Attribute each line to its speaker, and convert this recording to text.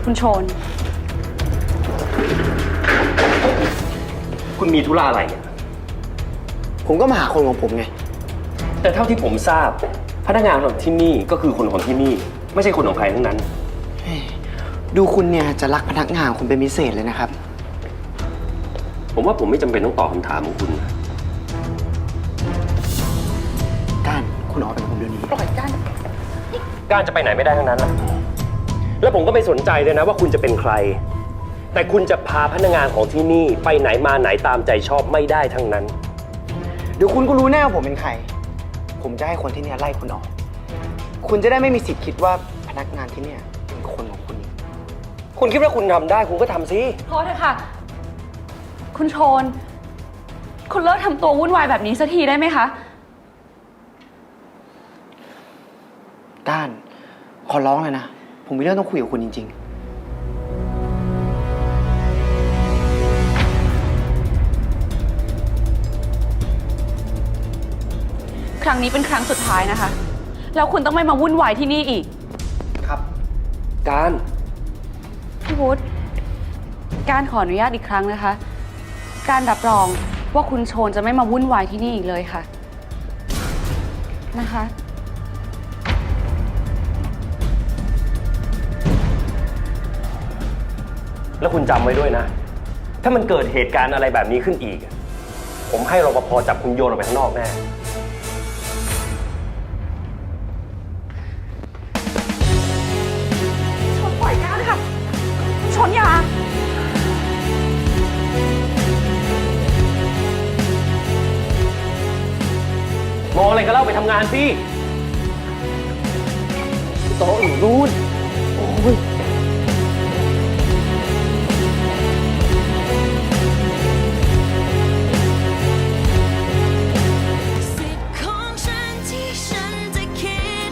Speaker 1: คุณโชน
Speaker 2: คุณมีธุระอะไรเนี่ย
Speaker 3: ผมก็มาหาคนของผมไง
Speaker 2: แต่เท่าที่ผมทราบพนักงานของที่นี่ก็คือคนของที่นี่ไม่ใช่คนของใครทั้งนั้น
Speaker 3: ดูคุณเนี่ยจะรักพนักงานคุณเป็นพิเศษเลยนะครับ
Speaker 2: ผมว่าผมไม่จำเป็นต้องตอบคำถามของคุณ
Speaker 3: ก้านคุณออกไปกับผมเดี๋ยวนี้
Speaker 1: ปล่อยกัน
Speaker 2: การจะไปไหนไม่ได้ทั้งนั้นแหละแล้วผมก็ไม่สนใจเลยนะว่าคุณจะเป็นใครแต่คุณจะพาพนักงานของที่นี่ไปไหนมาไหนตามใจชอบไม่ได้ทั้งนั้น
Speaker 3: เดี๋ยวคุณก็รู้แน่ว่าผมเป็นใครผมจะให้คนที่เนี่ยไล่คุณออกคุณจะได้ไม่มีสิทธิ์คิดว่าพนักงานที่เนี่ยเป็นคนของคุณ
Speaker 2: คุณคิดว่าคุณทำได้คุณก็ทำสิ
Speaker 1: พอเถอะค่ะคุณโชนคุณเลิกทำตัววุ่นวายแบบนี้สักทีได้ไหมคะ
Speaker 3: ก้านขอร้องเลยนะผมมีเรื่องต้องคุยกับคุณจริง
Speaker 1: ครั้งนี้เป็นครั้งสุดท้ายนะคะแล้วคุณต้องไม่มาวุ่นวายที่นี่อีก
Speaker 3: ครับ
Speaker 2: การ
Speaker 1: พี่วุฒิการขออนุญาตอีกครั้งนะคะการรับรองว่าคุณโชนจะไม่มาวุ่นวายที่นี่อีกเลยค่ะนะคะ
Speaker 2: แล้วคุณจำไว้ด้วยนะถ้ามันเกิดเหตุการณ์อะไรแบบนี้ขึ้นอีกผมให้รปภจับคุณโยนออกไปข้างนอกแน่
Speaker 1: ชนปล่อยก้านค่ะชนย
Speaker 2: ามองอะไรก็เล่าไปทำงานสิโต๊ะอยู่นู่นโอ้ย